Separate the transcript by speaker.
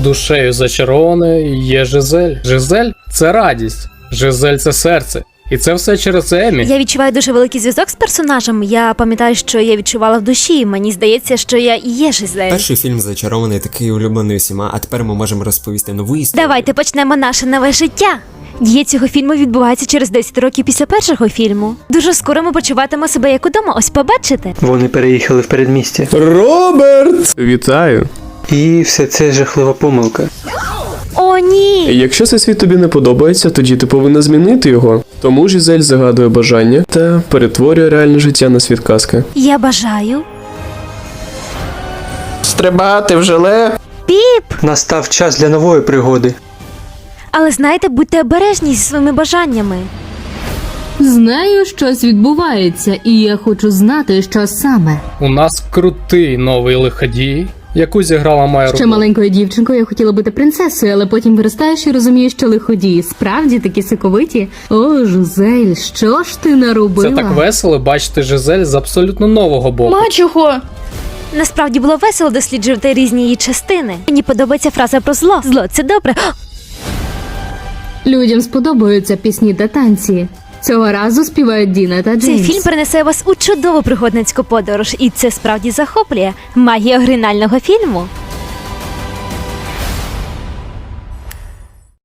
Speaker 1: Душею зачарованою є Жизель. Жизель – це радість. Жизель – це серце. І це все через Емі.
Speaker 2: Я відчуваю дуже великий зв'язок з персонажем. Я пам'ятаю, що я відчувала в душі. Мені здається, що я і є Жизель.
Speaker 3: Перший фільм зачарований, такий улюблений усіма, а тепер ми можемо розповісти нову історію.
Speaker 2: Давайте почнемо наше нове життя. Дія цього фільму відбувається через 10 років після першого фільму. Дуже скоро ми почуватимемо себе як удома, ось побачите.
Speaker 4: Вони переїхали в передмістя.
Speaker 5: Роберт! Вітаю!
Speaker 4: І все це жахлива помилка.
Speaker 2: О, ні!
Speaker 5: Якщо цей світ тобі не подобається, тоді ти повинна змінити його. Тому Жизель загадує бажання та перетворює реальне життя на світ казки.
Speaker 2: Я бажаю.
Speaker 5: Стрибати в желе?
Speaker 2: Піп!
Speaker 4: Настав час для нової пригоди.
Speaker 2: Але знаєте, будьте обережні зі своїми бажаннями.
Speaker 6: Знаю, щось відбувається, і я хочу знати, що саме.
Speaker 1: У нас крутий новий лиходій, яку зіграла Майя
Speaker 6: Ще
Speaker 1: Рудолф.
Speaker 6: маленькою дівчинкою я хотіла бути принцесою, але потім виростаєш і розумієш, що лиходії справді такі соковиті. О, Жизель, що ж ти наробила?
Speaker 1: Це так весело бачити Жизель з абсолютно нового боку.
Speaker 7: Мачухо!
Speaker 2: Насправді було весело досліджувати різні її частини. Мені подобається фраза про зло. Зло – це добре.
Speaker 6: Людям сподобаються пісні та танці. Цього разу співають Діна та Джеймс.
Speaker 2: Цей фільм перенесе вас у чудову пригодницьку подорож, і це справді захоплює. Магія оригінального фільму.